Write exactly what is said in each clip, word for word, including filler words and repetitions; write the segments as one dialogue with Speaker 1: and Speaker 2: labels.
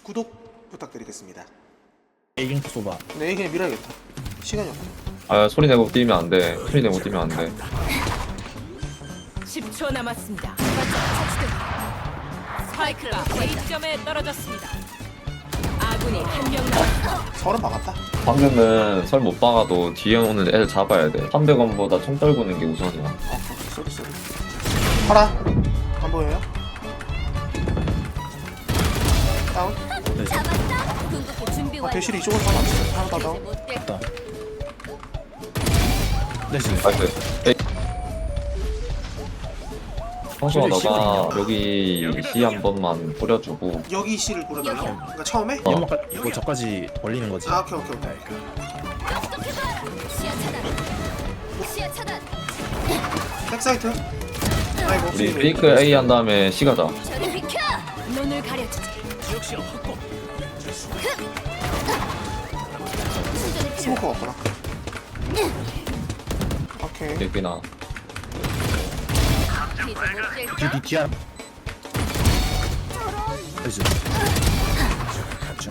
Speaker 1: 구독 부탁드리겠습니다.
Speaker 2: 에이징 쏘봐.
Speaker 1: 네, 그냥 밀어야겠다. 시간이 없어.
Speaker 3: 아 소리 내고 뛰면 안 돼. 소리 내고 뛰면 안 돼.
Speaker 4: 십 초 남았습니다. 스파이크가 A점에 떨어졌습니다. 아군이 한 명 남았습니다.
Speaker 1: 서른 박았다.
Speaker 3: 방금은 설 못 박아도 뒤에 오는 애를 잡아야 돼. 삼백 원보다 총 떨구는 게 우선이야.
Speaker 1: 아, 쏘리 쏘리. 파라. 안 보여요? 다운.
Speaker 5: 잡았다. 궁극기 준비
Speaker 1: 아,
Speaker 5: 완료.
Speaker 1: 대실이 이쪽으로 가면 안 돼. 하나 더 다운.
Speaker 2: 됐다. 나이스.
Speaker 3: 나이스. 에이. 성수아 너가 여기 C 한 번만 뿌려주고
Speaker 1: 여기 C를 뿌려달라고? 그러니까 처음에?
Speaker 3: 어.
Speaker 2: 연막까 이거 저까지 벌리는 거지.
Speaker 1: 아, 오케이, 오케이, 오케이.
Speaker 5: 똑똑해봐. 시야 차단. 시야 차단.
Speaker 1: 백사이트. 아이고,
Speaker 3: 우리 페이크 A 한 다음에 C 가자.
Speaker 5: 저리 비켜.
Speaker 4: 눈을 가려주지.
Speaker 1: 스모커 없구나. 오케이.
Speaker 3: 여기나.
Speaker 5: 이제 못 뛸까?
Speaker 2: 뒤뒤 뒤야. 나이스. 그렇죠.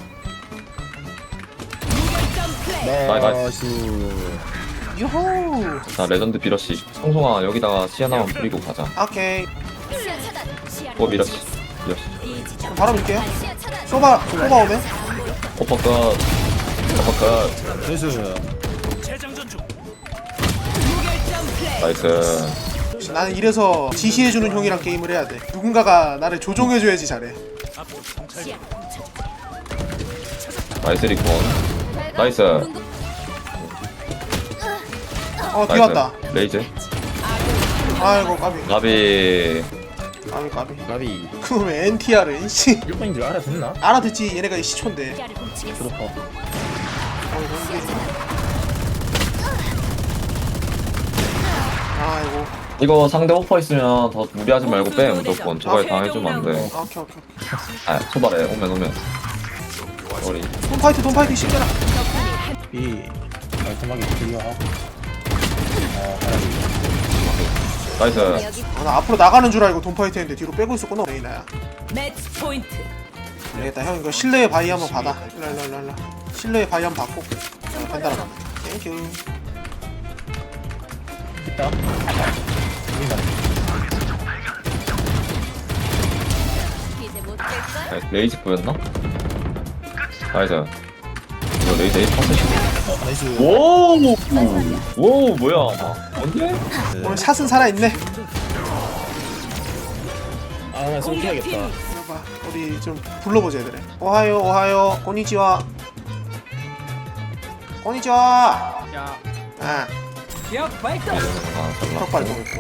Speaker 4: 무결점 플레이.
Speaker 3: 나이스.
Speaker 2: 나이스.
Speaker 1: 유호.
Speaker 3: 자 레전드 비러시. 성송아 여기다가 C 하나만 뿌리고 가자.
Speaker 1: 오케이.
Speaker 5: 시야 차단. 시야를
Speaker 3: 어 미러시. 미러시.
Speaker 5: 이 지점.
Speaker 1: 바로 밀게요.
Speaker 5: 시야 차단.
Speaker 1: 쏘바, 쏘바 오면?
Speaker 3: 오퍼컷. 오퍼컷.
Speaker 2: 나이스.
Speaker 4: 무결점 플레이.
Speaker 3: 나이스.
Speaker 1: 나는 이래서 지시해주는 형이랑 게임을 해야 돼. 누군가가 나를 조종해줘야지 잘해.
Speaker 4: 시야
Speaker 3: 나이스 리콘. 나이스.
Speaker 5: 궁극-
Speaker 1: 어, 뛰었다.
Speaker 3: 나이스. 레이즈.
Speaker 1: 아이고, 까비.
Speaker 3: 나비.
Speaker 1: 까비, 까비.
Speaker 2: 나비.
Speaker 1: 그놈의 엔티알은, 씨.
Speaker 2: 일반인들 알아듣나?
Speaker 1: 알아듣지, 얘네가 시초인데.
Speaker 4: 시야를 훔치겠어.
Speaker 2: 조독파.
Speaker 1: 아이고.
Speaker 3: 이거 상대 오퍼 있으면 더 무리하지 말고 빼 무조건. 저거에 당해주면 안 돼.
Speaker 1: 아, 오케이, 오케이.
Speaker 3: 아 소발해. 오면 오면. 우리
Speaker 1: 돈파이트, 돈파이트, 신겨라.
Speaker 2: 이 깔끔하게 클리어하고. 아 하나님.
Speaker 3: 나이스.
Speaker 5: 여기
Speaker 1: 아, 나 앞으로 나가는 줄 알고 돈파이트 했는데 뒤로 빼고 있었구나. 레이나야.
Speaker 4: 매치 포인트.
Speaker 1: 되겠다, 형. 이거 실내의 바위 한번 받아. 일로, 일로, 일로, 일로. 실내의 바위 한번 받고. 자, 벤다라. 땡큐.
Speaker 2: 있다. 우리가
Speaker 5: 이제 못 뛸까?
Speaker 3: 나이스. 레이즈 보였나? 나이스. 이거 레이즈 에이 파스시.
Speaker 2: 어 나이스.
Speaker 3: 오! 오 뭐야? 언제?
Speaker 1: 오늘 샷은 살아있네.
Speaker 2: 아나 쏠켜야겠다.
Speaker 1: 봐봐, 우리 좀 불러보자, 얘들아. 오하요, 오하요, 고니치와. 고니치와.
Speaker 4: 야.
Speaker 1: 아,
Speaker 4: 기억 발동.
Speaker 3: 아 잘나.
Speaker 1: 턱 밟고 있고.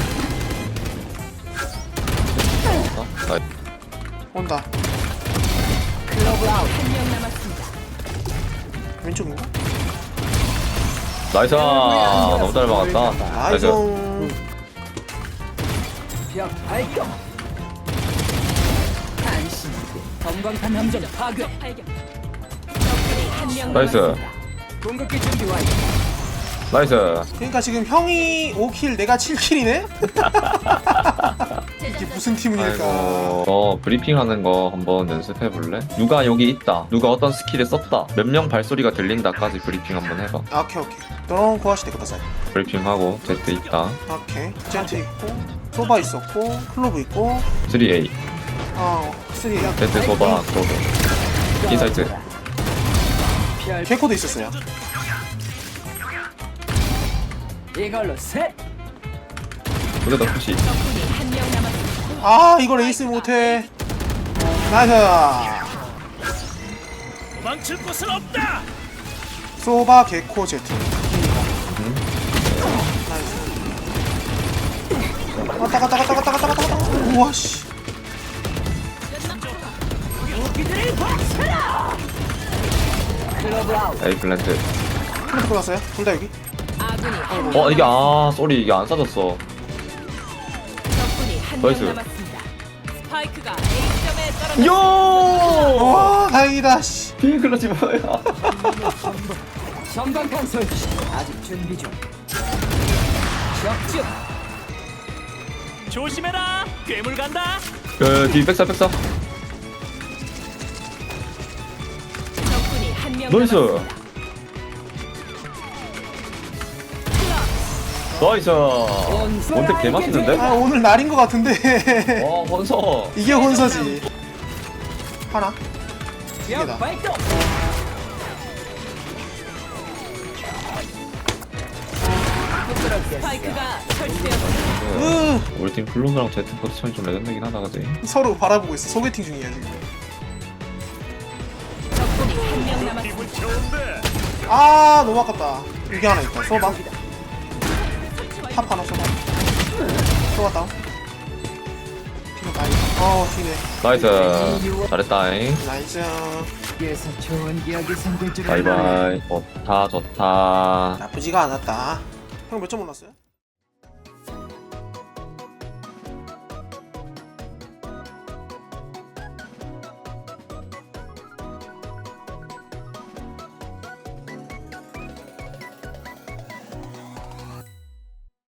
Speaker 3: 나이스.
Speaker 1: 온다.
Speaker 4: 글로브 아웃 한 명 남았습니다.
Speaker 1: 왼쪽인가?
Speaker 3: 나이스. 너무 잘 막았다. 나이스.
Speaker 1: 나이송.
Speaker 4: 벽 발동. 단신. 검광탄 함정 파괴. 발견. 적군이 한 명
Speaker 3: 나이스.
Speaker 4: 남았습니다. 공격기 준비 완료.
Speaker 3: 나이스.
Speaker 1: 그러니까 지금 형이 오 킬, 내가 칠 킬이네? 이게 무슨 팀일까?
Speaker 3: 아이고. 너 브리핑하는 거 한번 연습해 볼래? 누가 여기 있다. 누가 어떤 스킬을 썼다. 몇 명 발소리가 들린다까지 브리핑 한번 해봐.
Speaker 1: 아, 오케이, 오케이. 너랑 고하시대, 그다사이.
Speaker 3: 브리핑하고 제트 있다.
Speaker 1: 오케이. 제한테 있고, 소바 있었고, 클로브 있고,
Speaker 3: 쓰리 에이.
Speaker 1: 어, 쓰리.
Speaker 3: 제트 소바 크로브. 인사이트.
Speaker 1: 개코도 있었어요.
Speaker 4: 이걸로 셋.
Speaker 3: 그래도 푸시.
Speaker 4: 적군이 한 명 남았습니다.
Speaker 1: 아, 이걸 에이스 못해. 나이스.
Speaker 6: 도망칠 곳은 없다.
Speaker 1: 소바, 개코, 제트. 나이스. 왔다 갔다 갔다 갔다 갔다 갔다 갔다. 우와, 씨.
Speaker 4: 무기들을 박쳐라. 글로브 아웃.
Speaker 3: 에이 플랜트.
Speaker 1: 클로브 골랐어요? 둘 다 여기?
Speaker 4: 아군이 한 명.
Speaker 3: 어 이게 아 쏘리 이게 안 싸졌어.
Speaker 4: 적군이 한 명
Speaker 3: 나이스.
Speaker 4: 남았습니다. 스파이크가 A점에 떨어졌습니다.
Speaker 3: 요!
Speaker 1: 와, 다행이다, 씨.
Speaker 3: 비클러지 뭐야?
Speaker 4: 전방탄 설치. 아직 준비 중. 적중.
Speaker 6: 조심해라. 괴물 간다.
Speaker 3: 그 뒤 백사 백사.
Speaker 4: 명
Speaker 3: 나이스.
Speaker 4: 남았습니다.
Speaker 3: 나이스. 원택 개 맛있는데?
Speaker 1: 아 오늘 날인 것 같은데.
Speaker 3: 와 헌서.
Speaker 1: 이게 혼서지. 하나. 두 개다.
Speaker 4: 발동. 스파이크가 설치되었습니다.
Speaker 1: 으,
Speaker 3: 우리 팀 블루스랑 제트 포지션이 좀 레전드긴 하다 그지?
Speaker 1: 서로 바라보고 있어. 소개팅 중이야 지금.
Speaker 4: 적군이 한 명 남았습니다.
Speaker 6: 기분 좋은데.
Speaker 1: 아 너무 아깝다. 이게 하나 있다. 쏘봐. 탑 하나 쏘봐. 쏘봐 다운. 피가 많이. 어 튀네.
Speaker 3: 나이스. 잘했다잉.
Speaker 1: 나이스.
Speaker 3: 바이바이. 좋다 좋다.
Speaker 1: 나쁘지가 않았다. 형 몇 점 올랐어요?